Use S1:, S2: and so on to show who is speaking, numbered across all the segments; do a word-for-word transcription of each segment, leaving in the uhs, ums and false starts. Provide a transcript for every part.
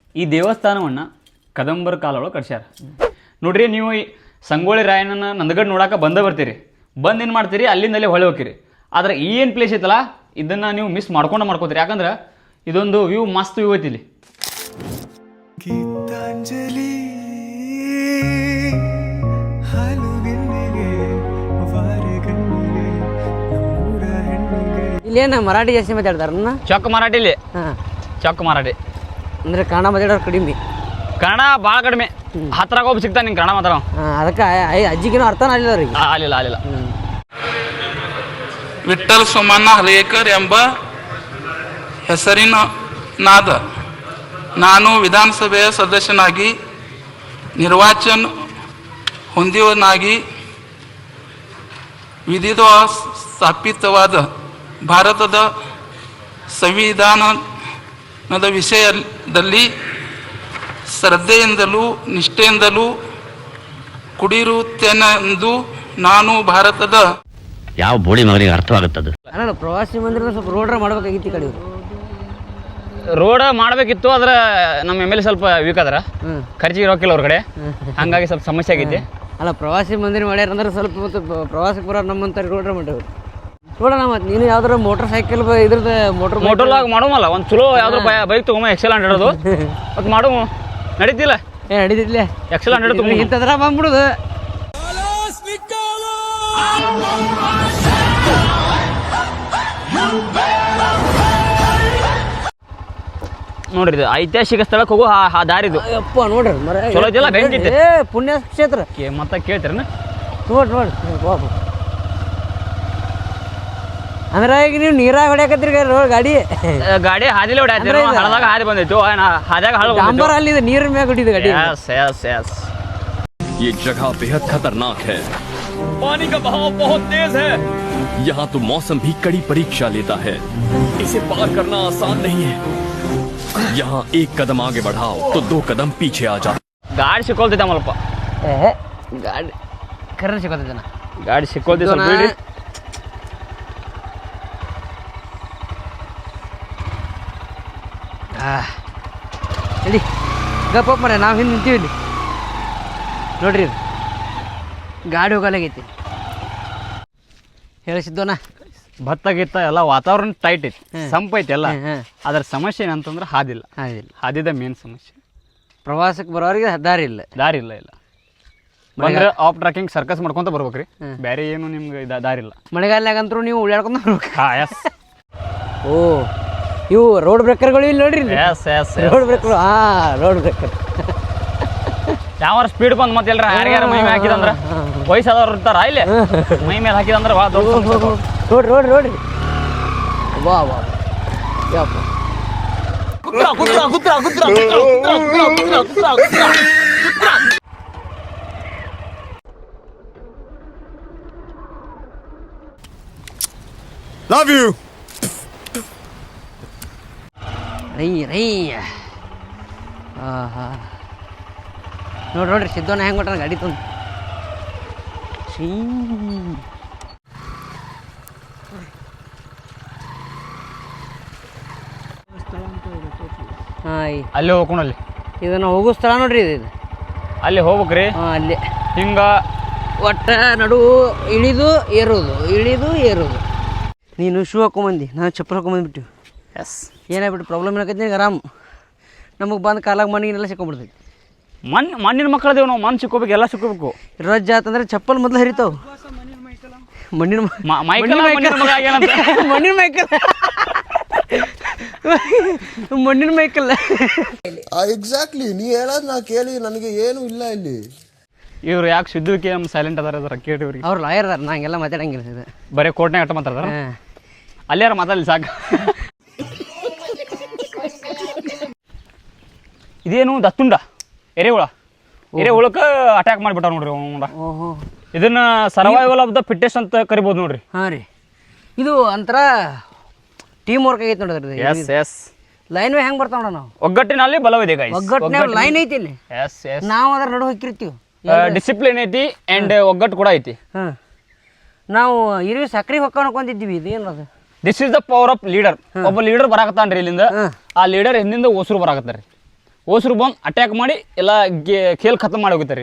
S1: ಈ ದೇವಸ್ಥಾನವನ್ನು ಕದಂಬರ ಕಾಲೊಳಗೆ ಕಟ್ಸ್ಯಾರ ನೋಡ್ರಿ. ನೀವು ಈ ಸಂಗೊಳ್ಳಿ ರಾಯಣ್ಣನ ನಂದಗಡ್ ನೋಡಾಕ ಬಂದ ಬರ್ತೀರಿ, ಬಂದು ಏನು ಮಾಡ್ತೀರಿ ಅಲ್ಲಿಂದಲೇ ಹೊಳೆ ಹೋಗ್ತೀರಿ. ಆದ್ರೆ ಈ ಏನು ಪ್ಲೇಸ್ ಐತಲ್ಲ ಇದನ್ನು ನೀವು ಮಿಸ್ ಮಾಡ್ಕೊಂಡು ಮಾಡ್ಕೋತೀರಿ. ಯಾಕಂದ್ರೆ ಇದೊಂದು ವ್ಯೂ ಮಸ್ತ್ ವ್ಯೂ ಐತಿ ಇಲ್ಲಿ.
S2: ಇಲ್ಲೇನ ಮರಾಠಿ ಜಾಸ್ತಿ ಮಾತಾಡ್ತಾರ?
S1: ಚೊಕ್ಕ ಮರಾಠಿಲಿ. ಹಾಂ, ಚೊಕ್ಕ ಮರಾಠಿ
S2: ಅಂದ್ರೆ ಕನ್ನಡ ಮಾತಾಡೋರು ಕಡಿಮೆ.
S1: ಕನ್ನಡ ಭಾಳ ಕಡಿಮೆ. ಹತ್ತಿರಾಗ ಒಬ್ಬ ಸಿಗ್ತಾನೆ ನಿಂಗೆ ಕನ್ನಡ ಮಾತಾಡೋ.
S2: ಅದಕ್ಕೆ ಅಜ್ಜಿಗೇನು ಅರ್ಥನ ಆಗಲಿಲ್ಲ ಅವ್ರಿಗೆ.
S1: ಆಗಲಿಲ್ಲ ಆಗಲಿಲ್ಲ.
S3: ವಿಠ್ಠಲ್ ಸೋಮಣ್ಣ ಹರೇಕರ್ ಎಂಬ ಹೆಸರಿನ ನಾದ ನಾನು ವಿಧಾನಸಭೆಯ ಸದಸ್ಯನಾಗಿ ನಿರ್ವಾಚನ ಹೊಂದಿವನಾಗಿ ವಿಧಿದ ಸ್ಥಾಪಿತವಾದ ಭಾರತದ ಸಂವಿಧಾನದ ವಿಷಯದಲ್ಲಿ ಶ್ರದ್ಧೆಯಿಂದಲೂ ನಿಷ್ಠೆಯಿಂದಲೂ ಕುಡಿರುತ್ತೇನೆಂದು ನಾನು ಭಾರತದ
S4: ಯಾವ ಬೋಳಿ ಮಗನಿಗೆ ಅರ್ಥವಾಗುತ್ತದೆ.
S2: ಅಲ್ಲ, ಪ್ರವಾಸಿ ಮಂದಿರ ಸ್ವಲ್ಪ ರೋಡ್ ಮಾಡ್ಬೇಕಾಗಿತ್ತು. ಕಡೆ
S1: ರೋಡ್ ಮಾಡಬೇಕಿತ್ತು, ಆದ್ರೆ ನಮ್ಮ ಎಮ್ ಎಲ್ ಎ ಸ್ವಲ್ಪ ವೀಕ್ ಆದ್ರ ಖರ್ಚಿಗೆ ರೊಕ್ಕಿಲ್ಲ ಅವ್ರ ಕಡೆ, ಹಂಗಾಗಿ ಸ್ವಲ್ಪ ಸಮಸ್ಯೆ ಆಗೈತಿ.
S2: ಅಲ್ಲ, ಪ್ರವಾಸಿ ಮಂದಿರ ಮಾಡ್ಯಾರ ಅಂದ್ರೆ ಸ್ವಲ್ಪ ಮತ್ತು ಪ್ರವಾಸಕ್ಕೆ ಬರೋ ನಮ್ಮಂತ ರೋಡ್ ಮಾಡ್ಯಾವ. ನೋಡೋಣ, ಮತ್ತೆ ನೀನು ಯಾವ್ದಾರ ಮೋಟರ್ ಸೈಕಲ್ ಇದ್ರದ್ದು ಮೋಟರ್
S1: ಮೋಟರ್ಲಾಗ ಮಾಡೋಮಲ್ಲ ಒಂದು ಚಲೋ ಯಾವ್ದು ಬೈಕ್ ತಗೊಂಬ ಎಕ್ಸೆಲ್ ಹಂಡ್ರೆಡ್ ಅದು ಮತ್ತು ಮಾಡು ನಡೀತಿಲ್ಲ.
S2: ಏ ನಡೀತಿಲ್ಲ,
S1: ಎಕ್ಸೆಲ್ ಹಂಡ್ರೆಡ್ ತಗೊಂಡು
S2: ಇಂಥದ್ರ ಬಂದ್ಬಿಡುದು.
S1: ನೋಡ್ರಿ ಇದು ಐತಿಹಾಸಿಕ ಸ್ಥಳಕ್ಕೆ ಹೋಗೋ ಆ ದಾರಿದು.
S2: ಅಪ್ಪ ನೋಡ್ರಿ ಮರ
S1: ಚಲೋ ಐತಿಲ್ಲ, ಬೆಂಕಿ ಐತೆ.
S2: ಏ ಪುಣ್ಯ ಕ್ಷೇತ್ರ
S1: ಮತ್ತೆ ಕೇಳ್ತೀರನ?
S2: ನೋಡ್ರಿ ನೋಡ್ರಿ ಬಾಬು. ಅಂದ್ರೆ ಈಗ ನೀವು ನೀರಾಗ ಹೊಡ್ಯಾಕತ್ರಿ ಗಾಡಿ
S1: ಗಾಡಿ ಹಾದಿಲೇ ಹೊಡ್ಯಾತೀರ, ಹಳದಾಗ ಹಾದಿ ಬಂದೈತು, ಹಾದ್ಯಾಗ ಹಳ
S2: ಡಾಂಬರ್ ಅಲ್ಲಿದೆ, ನೀರಿನ ಮ್ಯಾಗ ಹೊಡಿದ ಗಾಡಿ.
S1: यस यस यस
S5: ये जगह बेहद खतरनाक है, पानी का बहाव बहुत तेज है, यहाँ तो मौसम भी कड़ी परीक्षा लेता है, इसे पार करना आसान नहीं है, यहाँ एक कदम आगे बढ़ाओ तो दो कदम पीछे आ जाओ.
S1: ಗಾಡಿ ಸಿಕ್ಕೊಳ್ತೈತೆ ಮಲ್ಪ.
S2: ಏ ಗಾಡಿ ಕರ್ರ ಸಿಕ್ಕೋತೈತನ,
S1: ಗಾಡಿ ಸಿಕ್ಕೊಳ್ತೈತೆ ಸ್ವಲ್ಪ ಬಿಡ್ರಿ.
S2: ಹೇಳಿ ಗಪ್ಪ ಮರ, ನಾವು ಹಿಂದೆ ನಿಂತೀವಿ ಇಲ್ಲಿ ನೋಡ್ರಿ. ಇದು ಗಾಡಿ ಹೋಗಲಾಗೈತಿ ಹೇಳಿಸಿದ್ದೋನ.
S1: ಭತ್ತ ಗಿತ್ತ ಎಲ್ಲ ವಾತಾವರಣ ಟೈಟ್ ಐತಿ, ಸಂಪ್ ಐತಿ ಎಲ್ಲ. ಅದ್ರ ಸಮಸ್ಯೆ ಏನಂತಂದ್ರೆ ಹಾದಿಲ್ಲ. ಹಾದಿಲ್ಲ, ಹಾದಿದ ಮೇನ್ ಸಮಸ್ಯೆ.
S2: ಪ್ರವಾಸಕ್ಕೆ ಬರೋರಿಗೆ ದಾರಿ ಇಲ್ಲ.
S1: ದಾರಿ ಇಲ್ಲ ಇಲ್ಲ ಬಂದ್ರೆ ಆಫ್ ಟ್ರಾಕಿಂಗ್ ಸರ್ಕಸ್ ಮಾಡ್ಕೊಂತ ಬರ್ಬೇಕ್ರಿ, ಬೇರೆ ಏನು ನಿಮ್ಗೆ ದಾರಿ ಇಲ್ಲ.
S2: ಮಳೆಗಾಲನಾಗಂತರೂ ನೀವು ಉಳ್ಯಾಡ್ಕೊಂತ ಬರ್ಬೇಕು.
S1: ಹಾಂ ಎಸ್.
S2: ಓ ಇವು ರೋಡ್ ಬ್ರೇಕರ್ಗಳು ಇಲ್ಲಿ ನೋಡ್ರಿ.
S1: Yes yes
S2: road breaker. ಹಾಂ ರೋಡ್ ಬ್ರೇಕರ್.
S1: ಯಾವ ಸ್ಪೀಡ್ ಬಂದು ಮತ್ತೆ ಎಲ್ಲರ ಯಾರ್ಯಾರ ಮೈ ಮೇಲೆ ಹಾಕಿದಂದ್ರೆ ವಯಸ್ಸಾದವ್ರು ಇರ್ತಾರ ಇಲ್ಲಿ, ಮೈ ಮೇಲೆ ಹಾಕಿದಂದ್ರೆ ವಾ ದೊಡ್ಡ
S2: ನೋಡ್ರಿ ನೋಡ್ರಿ ನೋಡ್ರಿ. ವಾ ವಾ ಯಪ್ಪ.
S6: Love you.
S2: ರೈ ರೈ. ಹಾಂ ಹಾಂ ನೋಡ್ರಿ ನೋಡ್ರಿ ಸಿದ್ದೋನ ಹೆಂಗೆ ಕೊಟ್ಟಾನ ಗಾಡಿ ತಂದು. ಶೀ ಹಾಂ
S1: ಅಲ್ಲಿ ಹೋಗ್ಕೊಂಡಲ್ಲಿ
S2: ಇದನ್ನು ಹೋಗೋ ಸ್ಥಳ ನೋಡ್ರಿ ಇದು.
S1: ಅಲ್ಲಿ ಹೋಗ್ಬೇಕ್ರಿ.
S2: ಹಾಂ ಅಲ್ಲಿ
S1: ಹಿಂಗ
S2: ಒಟ್ಟ ನಡು ಇಳಿದು ಏರೋದು, ಇಳಿದು ಏರೋದು. ನೀನು ಶೂ ಹಾಕೊಂಬಂದು, ನಾನು ಚಪ್ಪಲ್ ಹಾಕೊಂಬಂದ್ಬಿಟ್ಟು.
S1: ಎಸ್.
S2: ಏನಾಗ್ಬಿಟ್ಟು ಪ್ರಾಬ್ಲಮ್ ಏನಾಕೈತಿ ಈಗ ಆರಾಮ್ ನಮಗೆ ಬಂದು ಕಾಲಾಗ ಮಣ್ಣಿಗೆಲ್ಲ ಸಿಕ್ಕೊಂಡ್ಬಿಡ್ತೈತಿ.
S1: ಮಣ್ಣು ಮಣ್ಣಿನ ಮಕ್ಕಳದೇವು ನಾವು, ಮಣ್ಣು ಸಿಕ್ಕೋಬೇಕು, ಎಲ್ಲ ಸಿಕ್ಕೋಬೇಕು.
S2: ರಜ್ಜ ಆತಂದ್ರೆ ಚಪ್ಪಲ್ ಮೊದಲು ಹರಿತಾವ. ಮಣ್ಣಿನ
S1: ಮೈಕಲ್
S2: ಮಣ್ಣಿನ ಮೈಕಲ್ ಮಣ್ಣಿನ ಮೈಕಲ್
S6: ಎಕ್ಸಾಕ್ಟ್ಲಿ ನೀ ಹೇಳೋದು ನಾ ಕೇಳಿ ನನಗೆ ಏನು ಇಲ್ಲ ಇಲ್ಲಿ.
S1: ಇವ್ರು ಯಾಕೆ ಸಿದ್ದುವಿಕೆ ನಮ್ಮ ಸೈಲೆಂಟ್ ಅದಾರ ಅದ್ರ ಕೇಳಿ ಇವ್ರಿಗೆ.
S2: ಅವ್ರು ಲಾಯರ್ ಅದಾರ, ನಾ ಹಂಗೆಲ್ಲ ಮಾತಾಡಂಗಿಲ್ಲ.
S1: ಬರೀ ಕೋರ್ಟ್ನಾಗ ಅಟ್ಟ ಮಾತಾಡ್ತಾರ, ಅಲ್ಲಾರ ಮಾತಾಡಲಿ ಸಾಕು. ಇದೇನು ದತ್ತುಂಡ ಎರೆಹುಳ, ಎರೆಹುಳಕ್ಕೆ ಅಟ್ಯಾಕ್ ಮಾಡಿಬಿಟ್ಟಾರ ನೋಡ್ರಿ ಅವ.
S2: ಓಹೋ,
S1: ಇದನ್ನ ಸರ್ವೈವಲ್ ಆಫ್ ದ ಫಿಟ್ಟೆಸ್ಟ್ ಅಂತ ಕರಿಬೋದು ನೋಡ್ರಿ.
S2: ಹಾಂ ರೀ, ಇದು ಒಂಥರ ಟೀಮ್ ವರ್ಕ್ ಆಗೈತೆ ನೋಡಿದ್ರಿ.
S1: S S.
S2: ಲೈನ್ ವೇ ಹೆಂಗೆ ಬರ್ತಾವ ನಾವು,
S1: ಒಗ್ಗಟ್ಟಿನಲ್ಲಿ ಬಲವಿದೆ ಗೈಸ್.
S2: ಒಗ್ಗಟ್ಟಿನ ಲೈನ್ ಐತಿ ಇಲ್ಲಿ.
S1: Yes yes.
S2: ನಾವು ಅದ್ರ ನಡು ಹೋಗಿರ್ತೀವಿ.
S1: ಡಿಸಿಪ್ಲಿನ್ ಐತಿ ಅಂಡ್ ಒಗ್ಗಟ್ಟು ಕೂಡ ಐತಿ.
S2: ಹಾಂ, ನಾವು ಇರುವಿ ಸಕ್ರೆ ಹೊಕ್ಕ ಅನ್ಕೊಂಡಿದ್ದೀವಿ. ಇದು ಏನದು?
S1: This is the power of leader. ಒಬ್ಬ ಲೀಡರ್ ಬರಾಕತ್ತಾನ್ರಿ ಇಲ್ಲಿಂದ, ಆ ಲೀಡರ್ ಹಿಂದಿಂದ ಓಸರು ಬರಾಕತ್ತಾರ ರೀ. ಓಸರು ಬಂದು ಅಟ್ಯಾಕ್ ಮಾಡಿ ಎಲ್ಲ ಗೆ- ಖೇಲ್ ಖತಮ್ ಮಾಡಿ ಹೋಗ್ತಾರೆ ರೀ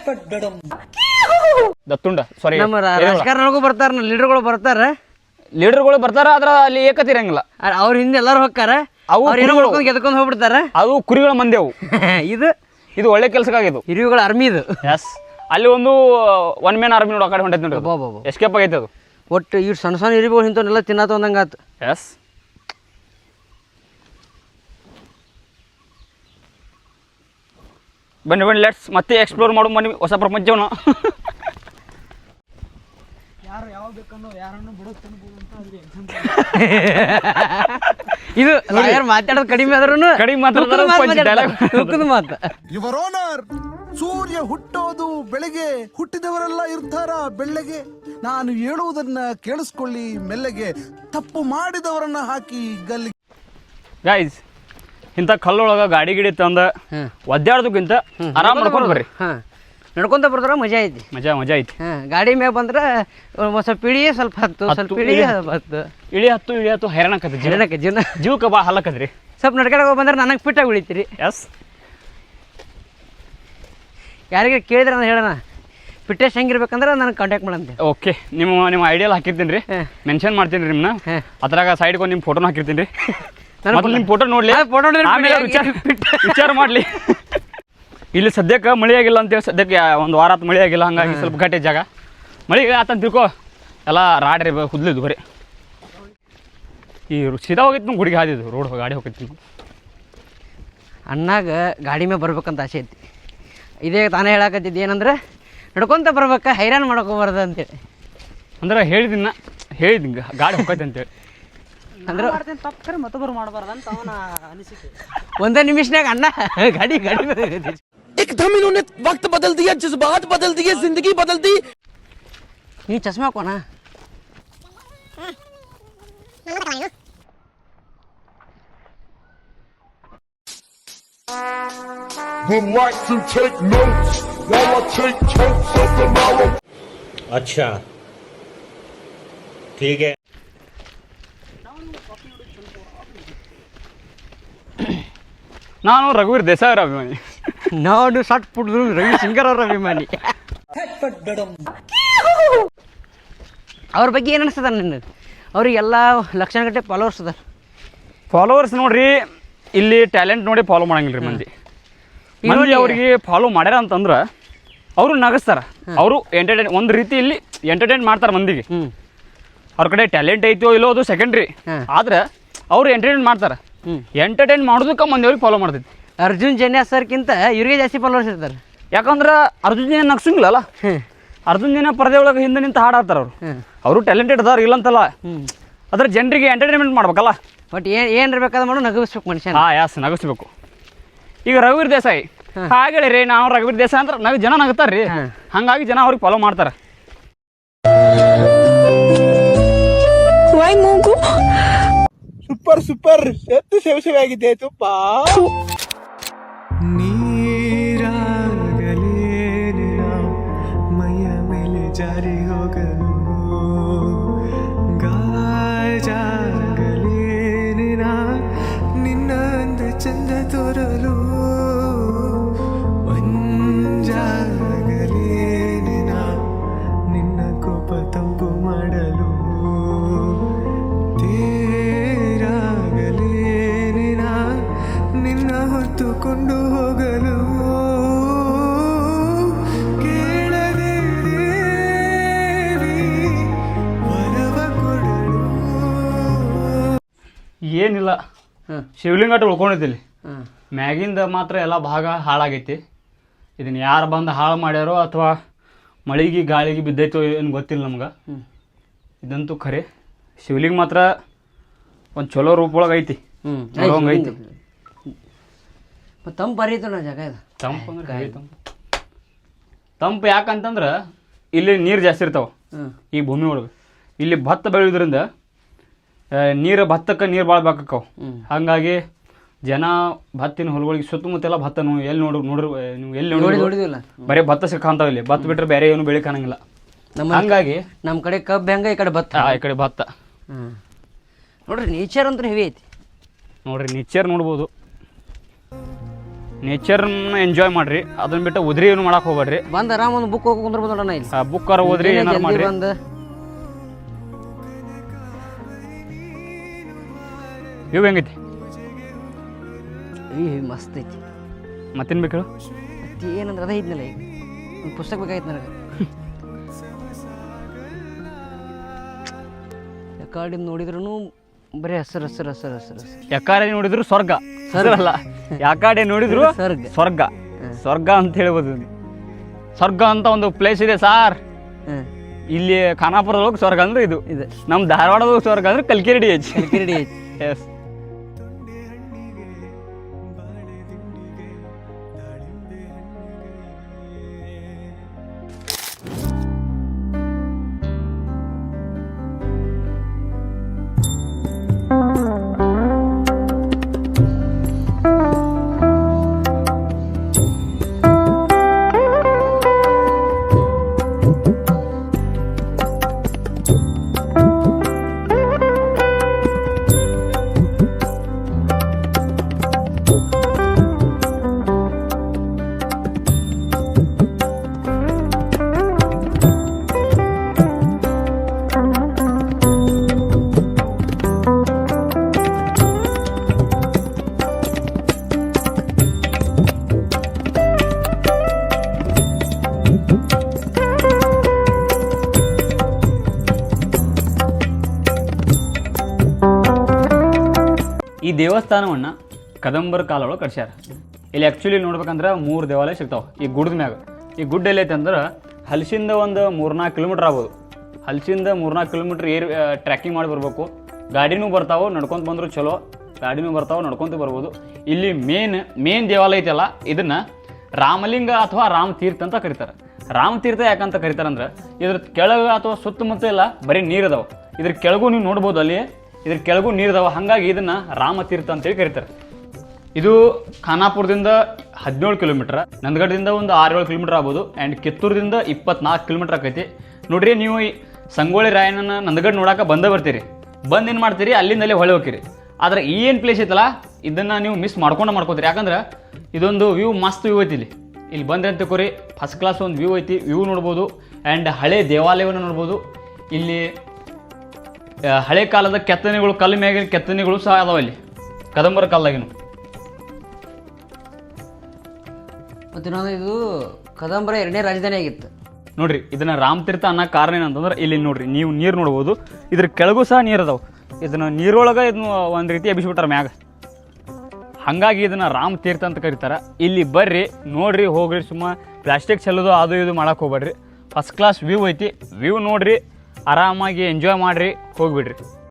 S1: ದತ್ತುಂಡ ಸಾರಿ
S2: ನಮ್ಮ ರಾ- ರಾಜಕಾರಣಗೂ ಬರ್ತಾರ ಲೀಡರ್ಗಳು ಬರ್ತಾರ
S1: ಲೀಡರ್ಗಳು ಬರ್ತಾರ ಆದ್ರ ಅಲ್ಲಿ ಏಕತೆ ಇರಂಗಿಲ್ಲ
S2: ಅವ್ರ ಹಿಂದೆ ಎಲ್ಲರೂ ಹೋಗ್ತಾರ
S1: ಅವು
S2: ಅವ್ರು ಏನೋ
S1: ಕುರಿಗಳು.
S2: ಮಾಡ್ಕೊಂಡು ಗೆದ್ಕೊಂಡು ಹೋಗ್ಬಿಡ್ತಾರ
S1: ಅದು ಕುರಿಗಳ ಮಂದಿ ಅವು
S2: ಇದು
S1: ಇದು ಒಳ್ಳೆ ಕೆಲ್ಸಕ್ಕಾಗಿದ್ದು
S2: ಹಿರಿಯುಗಳ ಆರ್ಮಿ ಇದು
S1: ಎಸ್ ಅಲ್ಲಿ ಒಂದು ಒನ್ ಮ್ಯಾನ್ ಆರ್ಮಿ ನೋಡಿ ಆ ಕಡೆ ಹೊಂಟೈತೆ ನೋಡಿ
S2: ಅಬ್ಬಬ್ಬಬ್ಬ.
S1: ಎಸ್ಕೇಪ್ ಆಗೈತೆ ಅದು
S2: ಒಟ್ಟು ಇವ್ ಸಣ್ಣ ಸಣ್ಣ ಹಿರಿಗಳು ಇಂಥವನ್ನೆಲ್ಲ ತಿನ್ನತ್ತ ಒಂದಂಗೆ ಆತು
S1: ಎಸ್ ಬನ್ನಿ ಬನ್ನಿ ಲೆಟ್ಸ್ ಮತ್ತೆ ಎಕ್ಸ್ಪ್ಲೋರ್ ಮಾಡು ಬನ್ನಿ ಹೊಸ ಪ್ರಪಂಚವನ್ನ
S2: ಇದು ಯಾರು ಮಾತಾಡೋದು ಕಡಿಮೆ ಆದ್ರೂ
S1: ಕಡಿಮೆ ಮಾತಾಡ್ತಾರೆ, ಪಂಚ್ dialogue.
S2: ತೂಕದ ಮಾತು
S6: ಯುವರ್ ಓನರ್ ಸೂರ್ಯ ಹುಟ್ಟೋದು ಬೆಳಗ್ಗೆ, ಹುಟ್ಟಿದವರೆಲ್ಲ ಇರ್ತಾರ ಬೆಳ್ಳಗೆ. ನಾನು ಹೇಳುವುದನ್ನ ಕೇಳಿಸ್ಕೊಳ್ಳಿ ಮೆಲ್ಲಗೆ, ತಪ್ಪು ಮಾಡಿದವರನ್ನ ಹಾಕಿ ಗಲ್ಲಿಗೆ.
S1: ಗೈಸ್ ಇಂಥ ಕಲ್ಲೊಳಗ ಗಾಡಿ ಗಿಡಿ ತಂದ ಒದ್ದಾಡೋದಕ್ಕಿಂತ ಆರಾಮ್ ಮಾಡ್ಕೊಂಡು ಬರ್ರಿ.
S2: ಹಾಂ ನಡ್ಕೊಂತ ಬರ್ತಾರ ಮಜಾ ಐತಿ.
S1: ಮಜಾ ಮಜಾ ಐತಿ.
S2: ಹಾಂ ಗಾಡಿ ಮ್ಯಾಗ ಬಂದ್ರೆ ಒಂದ್ ಸ್ವಲ್ಪ ಇಳಿ ಸ್ವಲ್ಪ ಹತ್ತು ಸ್ವಲ್ಪ ಇಳಿ ಸ್ವಲ್ಪ ಹತ್ತು
S1: ಇಳಿ ಹತ್ತು ಇಳಿ ಹತ್ತು ಹೈರಾಣ ಆಕತಿ
S2: ಜೀವನಕ್ಕೆ ಜೀವನ
S1: ಜೀವಕ್ಕೆ ಬಾ ಹಲ್ಲಕದ್ರಿ.
S2: ಸ್ವಲ್ಪ ನಡ್ಕಡೆ ಬಂದ್ರೆ ನನಗೆ ಫಿಟ್ಟಾಗಿ ಉಳಿತೀರಿ.
S1: ಎಸ್
S2: ಯಾರಿಗೆ ಕೇಳಿದ್ರೆ ನಾನು ಹೇಳೋಣ ಫಿಟ್ನೆಸ್ ಹೆಂಗಿರ್ಬೇಕಂದ್ರೆ ನನಗೆ ಕಾಂಟ್ಯಾಕ್ಟ್ ಮಾಡಂತೆ.
S1: ಓಕೆ ನಿಮ್ಮ ನಿಮ್ಮ ಐಡಿಯಲ್ ಹಾಕಿರ್ತೀನಿ ರೀ,
S2: ಹಾಂ.
S1: ಮೆನ್ಷನ್ ಮಾಡ್ತೀನಿ ರೀ ನಿಮ್ಮನ್ನ.
S2: ಹಾಂ.
S1: ಅದ್ರಾಗ ಸೈಡ್ಗೆ ಒಂದು ನಿಮ್ಮ ಫೋಟೋನ ಹಾಕಿರ್ತೀನಿ ರೀ.
S2: ನನ್ನ
S1: ಮತ್ತೆ ನಿಮ್ಮ ಫೋಟೋ ನೋಡ್ಲಿ,
S2: ಆ, photo ನೋಡಿದ್ರೆ
S1: ಆಮೇಲೆ
S2: fit
S1: ವಿಚಾರ
S2: ಆಗಿ-
S1: ವಿಚಾರ ಮಾಡಲಿ. ಇಲ್ಲಿ ಸದ್ಯಕ್ಕೆ ಮಳೆ ಆಗಿಲ್ಲ ಅಂತೇಳಿ ಸದ್ಯಕ್ಕೆ ಒಂದು ವಾರ ಆತು ಮಳೆ ಆಗಿಲ್ಲ, ಹಂಗಾಗಿ ಸ್ವಲ್ಪ ಗಟ್ಟಿ ಜಾಗ ಮಳೆ ಆತಂತ ತಿಳ್ಕೊ ಎಲ್ಲ ರಾಡ್ರಿ ಹುದ್ಲಿದ್ದು ಬರೀ ಈ ಸೀದಾ ಹೋಗಿತ್ತು ನಮ್ಮ ಗುಡಿಗೆ ಹಾದಿದ್ದು ರೋಡ್ ಗಾಡಿ ಹೋಗಿತ್ತು.
S2: ಅಣ್ಣಾಗ ಗಾಡಿ ಮೇಲೆ ಬರ್ಬೇಕಂತ ಆಸೆ ಐತಿ. ಇದೇ ತಾನೇ ಹೇಳಕತ್ತಿದ್ದು ಏನಂದ್ರೆ ನಡ್ಕೊಂತ ಬರ್ಬೇಕ ಹೈರಾಣ ಮಾಡ್ಕೋಬಾರ್ದು ಅಂತೇಳಿ.
S1: ಅಂದ್ರೆ ಹೇಳಿದಿನ ಹೇಳಿದ್ ಗಾಡಿ ಹೋಗೈತೆ ಅಂತೇಳಿ
S2: ಅಂದ್ರೆ ಒಂದೇ ನಿಮಿಷನಾಗ ಅಣ್ಣ ಗಾಡಿ ಗಾಡಿ
S7: एकदम इन्होंने वक्त बदल दिया, जज्बात बदल दिए, जिंदगी बदल दी.
S2: ನೀ ಚಸ್ಮಾ ಹಾಕೋಣ.
S8: Would like to take notes while I take totes of the marrow.
S9: अच्छा ठीक है.
S1: ನಾನು ರಘುವೀರ್ ದೇಸಾಯಿ ಅವ್ರ ಅಭಿಮಾನಿ.
S2: ನಾನು ಸಟ್ ಪುಟ್ಟಿದ್ರು ರವಿ ಸಿಂಗರ್ ಅವ್ರ ಅಭಿಮಾನಿ. ಅವ್ರ ಬಗ್ಗೆ ಏನು ಅನಿಸ್ತದ ನಿನ್ನ? ಅವ್ರಿಗೆಲ್ಲ ಲಕ್ಷಣ ಗಟ್ಟೆ ಫಾಲೋವರ್ಸ್ ಅದಾರ.
S1: ಫಾಲೋವರ್ಸ್ ನೋಡ್ರಿ, ಇಲ್ಲಿ ಟ್ಯಾಲೆಂಟ್ ನೋಡಿ ಫಾಲೋ ಮಾಡಂಗಿಲ್ಲ ರೀ ಮಂದಿ. ಮಂದಿ ಅವ್ರಿಗೆ ಫಾಲೋ ಮಾಡ್ಯಾರ ಅಂತಂದ್ರೆ ಅವರು ನಗಸ್ತಾರ, ಅವರು ಎಂಟರ್ಟೈನ್ ಒಂದು ರೀತಿಯಲ್ಲಿ ಎಂಟರ್ಟೈನ್ ಮಾಡ್ತಾರೆ ಮಂದಿಗೆ.
S2: ಹ್ಞೂ
S1: ಅವ್ರ ಕಡೆ ಟ್ಯಾಲೆಂಟ್ ಐತೋ ಇಲ್ಲೋ ಅದು ಸೆಕೆಂಡ್ರಿ,
S2: ಹಾಂ.
S1: ಆದ್ರೆ ಅವ್ರು ಎಂಟರ್ಟೈನ್ ಮಾಡ್ತಾರೆ.
S2: ಹ್ಞೂ
S1: ಎಂಟರ್ಟೈನ್ ಮಾಡೋದಕ್ಕೆ ಮಂದಿ ಅವ್ರಿಗೆ ಫಾಲೋ ಮಾಡ್ತೈತಿ.
S2: ಅರ್ಜುನ್ ಜನ್ಯ ಸರ್ಕ್ಕಿಂತ ಇವ್ರಿಗೆ ಜಾಸ್ತಿ ಫಾಲೋವರ್ಸ್ ಇರ್ತಾರೆ.
S1: ಯಾಕಂದ್ರೆ ಅರ್ಜುನ್ ಜನ ನಗ್ಸಂಗಿಲ್ಲಲ್ಲ,
S2: ಹ್ಞೂ
S1: ಅರ್ಜುನ್ ಜನ ಪರದೆ ಒಳಗೆ ಹಿಂದೆ ನಿಂತು ಹಾಡಾಡ್ತಾರ ಅವ್ರು.
S2: ಹ್ಞೂ
S1: ಅವರು ಟ್ಯಾಲೆಂಟೆಡ್ ಅದಾರ ಇಲ್ಲಂತಲ್ಲ,
S2: ಹ್ಞೂ
S1: ಅದ್ರ ಜನರಿಗೆ ಎಂಟರ್ಟೈನ್ಮೆಂಟ್ ಮಾಡ್ಬೇಕಲ್ಲ.
S2: ಬಟ್ ಏನು ಏನು ಇರ್ಬೇಕಾದ್ರೆ ಮಾಡೋ ನಗಸ್ಬೇಕು ಮನುಷ್ಯನ.
S1: ಹಾಂ ಯಾಸ್ ನಗಿಸ್ಬೇಕು. ಈಗ ರಘುವೀರ್ ದೇಸಾಯಿ ಹಾಗೆ ರೀ, ನಾವು ರಘುವೀರ್ ದೇಸಾಯಿ ಅಂದ್ರೆ ನಗ ಜನ ನಗ್ತಾರೆ ರೀ,
S2: ಹಾಂ.
S1: ಹಂಗಾಗಿ ಜನ ಅವ್ರಿಗೆ ಫಾಲೋ ಮಾಡ್ತಾರೆ.
S7: ಸೂಪರ್ ಸೂಪರ್ ಎತ್ತು ಸೇವೆ ಸೇವೆ ಆಗಿದೆ ತುಪ್ಪ.
S10: ಮೈಯ ಮೇಲೆ ಜಾರಿ ಹೋಗಲು ಗಾಜಾಗಲೇನ ನಿನ್ನ ಅಂದ ಚಂದ ತೋರಲು ಮಂಜಾಗಲೇನ ನಿನ್ನ ಕೋಪ ತಂಪು ಮಾಡಲು ತೇರಾಗಲೇನ ನಿನ್ನ ಹೊತ್ತುಕೊಂಡು ಹೋಗಲು ಕೇಳದೆ ದೇವಿ ವರವ ಕೊಡಲು.
S1: ಏನಿಲ್ಲ,
S2: ಹಾಂ
S1: ಶಿವಲಿಂಗಟ ಉಳ್ಕೊಂಡಿದ್ದಿಲ್ಲಿ
S2: ಹಾಂ
S1: ಮ್ಯಾಗಿಂದ ಮಾತ್ರ ಎಲ್ಲ ಭಾಗ ಹಾಳಾಗೈತಿ. ಇದನ್ನ ಯಾರು ಬಂದು ಹಾಳು ಮಾಡ್ಯಾರೋ ಅಥವಾ ಮಳೆಗೆ ಗಾಳಿಗೆ ಬಿದ್ದೈತೋ ಏನು ಗೊತ್ತಿಲ್ಲ ನಮ್ಗೆ.
S2: ಹ್ಞೂ
S1: ಇದಂತೂ ಖರೆ, ಶಿವಲಿಂಗ ಮಾತ್ರ ಒಂದು ಚಲೋ ರೂಪೊಳಗೆ ಐತಿ,
S2: ಹ್ಞೂ
S1: ನೋಡೋಂಗ್ ಐತಿ.
S2: ಮತ್ತು ತಂಪು ಬರೀತು ನಾ ಜಾಗ ಇದು.
S1: ತಂಪು ಅಂದ್ರೆ ಹೆವಿ ತಂಪು. ತಂಪು ಯಾಕಂತಂದ್ರೆ ಇಲ್ಲಿ ನೀರು ಜಾಸ್ತಿ ಇರ್ತಾವೆ
S2: ಹ್ಞೂ
S1: ಈ ಭೂಮಿ ಒಳಗೆ. ಇಲ್ಲಿ ಭತ್ತ ಬೆಳೆಯೋದ್ರಿಂದ ನೀರು ಭತ್ತಕ್ಕೆ ನೀರು ಭಾಳ ಬೇಕಾಕವು.
S2: ಹ್ಞೂ
S1: ಹಾಗಾಗಿ ಜನ ಭತ್ತಿನ ಹೊಲಗಳಿಗೆ ಸುತ್ತಮುತ್ತೆಲ್ಲ ಭತ್ತ ನೀವು ಎಲ್ಲಿ ನೋಡ್ರಿ ನೋಡ್ರಿ ನೀವು ಎಲ್ಲಿ
S2: ನೋಡಿ
S1: ನೋಡಿ
S2: ನೋಡಿದಿಲ್ಲ.
S1: ಬರೀ ಭತ್ತ ಸಿಕ್ಕಂತಾವ ಇಲ್ಲಿ. ಭತ್ತ ಬಿಟ್ಟರೆ ಬೇರೆ ಏನು ಬೆಳೆ ಕಾಣಂಗಿಲ್ಲ.
S2: ನಮ್ಮ
S1: ಹಂಗಾಗಿ
S2: ನಮ್ಮ ಕಡೆ ಕಬ್ಬು ಹೆಂಗೆ ಈ ಕಡೆ ಭತ್ತ.
S1: ಆ, ಈ ಕಡೆ ಭತ್ತ
S2: ಹ್ಞೂ ನೋಡ್ರಿ ನೇಚರ್ ಅಂತೂ ಹೆವಿ ಐತಿ.
S1: ನೋಡ್ರಿ ನೇಚರ್ ನೋಡ್ಬೋದು. ನೇಚರ್ನ ಎಂಜಾಯ್ ಮಾಡ್ರಿ, ಅದನ್ನ ಬಿಟ್ಟು ಉದ್ರಿ ಏನು ಮಾಡಕ್ಕೆ ಹೋಗ್ಬೇಡ್ರಿ.
S2: ಬಂದು ಆರಾಮ ಒಂದು ಬುಕ್ ಹೋಗಿ ಕುಂದ್ರಬೋದು ನೋಡೋಣ ಇಲ್ಲಿ.
S1: ಬುಕ್ಕಾರ ಓದ್ರಿ, ಏನಾರು ಮಾಡ್ರಿ.
S2: ಬಂದು
S1: ಇವು ಹೆಂಗೈತಿ?
S2: ಈ ಮಸ್ತ್ ಐತಿ.
S1: ಮತ್ತೇನು ಬೇಕು ಹೇಳು?
S2: ಮತ್ತೆ ಏನಂದ್ರೆ ಅದೇ ಐತ್ನಲ್ಲ, ಈಗ ಒಂದು ಪುಸ್ತಕ ಬೇಕಾಗಿತ್ತು ನನಗೆ. ಯಾಕಡೆ ನೋಡಿದ್ರೂ ಬರೀ ಹಸಿರು ಹಸಿರು ಹಸಿರು ಹಸಿರು ಹಸಿರು.
S1: ಯಾಕಾಡೆ ನೋಡಿದ್ರು ಸ್ವರ್ಗ ಅಲ್ಲ, ಯಾಕಾಡೆ ನೋಡಿದ್ರು
S2: ಸ್ವರ್ಗ
S1: ಸ್ವರ್ಗ ಸ್ವರ್ಗ ಅಂತ ಹೇಳ್ಬೋದು. ಸ್ವರ್ಗ ಅಂತ ಒಂದು ಪ್ಲೇಸ್ ಇದೆ ಸಾರ್ ಇಲ್ಲಿ ಖಾನಾಪುರದೊಳಗೆ. ಸ್ವರ್ಗ ಅಂದ್ರೆ ಇದು
S2: ಇದೆ.
S1: ನಮ್ಮ ಧಾರವಾಡದೊಳಗೆ ಸ್ವರ್ಗ ಅಂದ್ರೆ Kalkiri D H.
S2: Kalkiri D H.
S1: Yes. ಈ ದೇವಸ್ಥಾನವನ್ನು ಕದಂಬರ ಕಾಲೊಳಗೆ ಕಟ್ಸ್ಯಾರ. ಇಲ್ಲಿ ಆ್ಯಕ್ಚುಲಿ ನೋಡ್ಬೇಕಂದ್ರೆ ಮೂರು ದೇವಾಲಯ ಸಿಗ್ತಾವೆ ಈ ಗುಡ್ಡ ಮ್ಯಾಗ. ಈ ಗುಡ್ಡ ಎಲ್ಲೈತೆ ಅಂದ್ರೆ ಹಲಸಿಂದ ಒಂದು ಮೂರ್ನಾಲ್ಕು ಕಿಲೋಮೀಟ್ರ್ ಆಗ್ಬೋದು. ಹಲಸಿಂದ ಮೂರ್ನಾಲ್ಕು ಕಿಲೋಮೀಟ್ರ್ ಏರ್ ಟ್ರ್ಯಾಕಿಂಗ್ ಮಾಡಿ ಬರ್ಬೇಕು. ಗಾಡಿನೂ ಬರ್ತಾವೆ, ನಡ್ಕೊತ ಬಂದರೂ ಚಲೋ. ಗಾಡಿನೂ ಬರ್ತಾವೆ, ನಡ್ಕೊತ ಬರ್ಬೋದು. ಇಲ್ಲಿ ಮೇನ್ ಮೇನ್ ದೇವಾಲಯ ಐತಲ್ಲ, ಇದನ್ನು ರಾಮಲಿಂಗ ಅಥವಾ ರಾಮತೀರ್ಥ ಅಂತ ಕರೀತಾರೆ. ರಾಮತೀರ್ಥ ಯಾಕಂತ ಕರೀತಾರಂದ್ರೆ ಇದ್ರ ಕೆಳಗೆ ಅಥವಾ ಸುತ್ತಮುತ್ತ ಎಲ್ಲ ಬರೀ ನೀರು ಅದಾವೆ. ಇದ್ರ ಕೆಳಗೂ ನೀವು ನೋಡ್ಬೋದು, ಅಲ್ಲಿ ಇದ್ರ ಕೆಳಗೂ ನೀರು ಅದಾವೆ. ಹಾಗಾಗಿ ಇದನ್ನು ರಾಮತೀರ್ಥ ಅಂತೇಳಿ ಕರೀತಾರೆ. ಇದು ಖಾನಾಪುರದಿಂದ ಹದಿನೇಳು ಕಿಲೋಮೀಟ್ರ್, ನಂದಗಡದಿಂದ ಒಂದು ಆರು ಏಳು ಕಿಲೋಮೀಟ್ರ್ ಆಗ್ಬೋದು, ಆ್ಯಂಡ್ ಕಿತ್ತೂರದಿಂದ ಇಪ್ಪತ್ನಾಲ್ಕು ಕಿಲೋಮೀಟ್ರ್ ಆಕೈತಿ. ನೋಡ್ರಿ, ನೀವು ಈ ಸಂಗೊಳ್ಳಿ ರಾಯಣ್ಣನ ನಂದಗಡ ನೋಡೋಕೆ ಬಂದೇ ಬರ್ತೀರಿ. ಬಂದು ಏನು ಮಾಡ್ತೀರಿ, ಅಲ್ಲಿಂದಲೇ ಹೊಳೆ ಹೋಗ್ತೀರಿ. ಆದರೆ ಈ ಏನು ಪ್ಲೇಸ್ ಐತಲ್ಲ, ಇದನ್ನು ನೀವು ಮಿಸ್ ಮಾಡ್ಕೊಂಡು ಮಾಡ್ಕೋತೀರಿ. ಯಾಕಂದ್ರೆ ಇದೊಂದು ವ್ಯೂ ಮಸ್ತ್ ವ್ಯೂ ಐತಿ. ಇಲ್ಲಿ ಇಲ್ಲಿ ಬಂದ್ರೆ ಅಂತ ಕೋರಿ ಫಸ್ಟ್ ಕ್ಲಾಸ್ ಒಂದು ವ್ಯೂ ಐತಿ. ವ್ಯೂ ನೋಡ್ಬೋದು, ಆ್ಯಂಡ್ ಹಳೆ ದೇವಾಲಯವನ್ನು ನೋಡ್ಬೋದು. ಇಲ್ಲಿ ಹಳೆ ಕಾಲದ ಕೆತ್ತನೆಗಳು, ಕಲ್ಲು ಮ್ಯಾಗಿನ ಕೆತ್ತನೆಗಳು ಸಹ ಅದಾವ ಇಲ್ಲಿ ಕದಂಬರ ಕಾಲದಾಗಿನ.
S2: ಮತ್ತು ಇನ್ನೊಂದು, ಇದು ಕದಂಬರ ಎರಡನೇ ರಾಜಧಾನಿ ಆಗಿತ್ತು
S1: ನೋಡ್ರಿ. ಇದನ್ನ ರಾಮತೀರ್ಥ ಅನ್ನೋ ಕಾರಣ ಏನಂತಂದ್ರೆ ಇಲ್ಲಿ ನೋಡ್ರಿ, ನೀವು ನೀರು ನೋಡ್ಬೋದು. ಇದ್ರ ಕೆಳಗೂ ಸಹ ನೀರು ಅದಾವೆ. ಇದನ್ನ ನೀರೊಳಗೆ ಇದನ್ನ ಒಂದು ರೀತಿ ಎಬ್ಬಿಸ್ಬಿಟ್ಟಾರ ಮ್ಯಾಗ. ಹಾಗಾಗಿ ಇದನ್ನು ರಾಮತೀರ್ಥ ಅಂತ ಕರೀತಾರೆ. ಇಲ್ಲಿ ಬರ್ರಿ, ನೋಡ್ರಿ, ಹೋಗ್ರಿ. ಸುಮ್ಮ ಪ್ಲಾಸ್ಟಿಕ್ ಚೆಲ್ಲೋದು ಅದು ಇದು ಮಾಡಕ್ಕೆ ಹೋಗ್ಬೇಡ್ರಿ. ಫಸ್ಟ್ ಕ್ಲಾಸ್ ವ್ಯೂ ಐತಿ. ವ್ಯೂ ನೋಡ್ರಿ, ಆರಾಮಾಗಿ ಎಂಜಾಯ್ ಮಾಡಿರಿ, ಹೋಗಿಬಿಡ್ರಿ.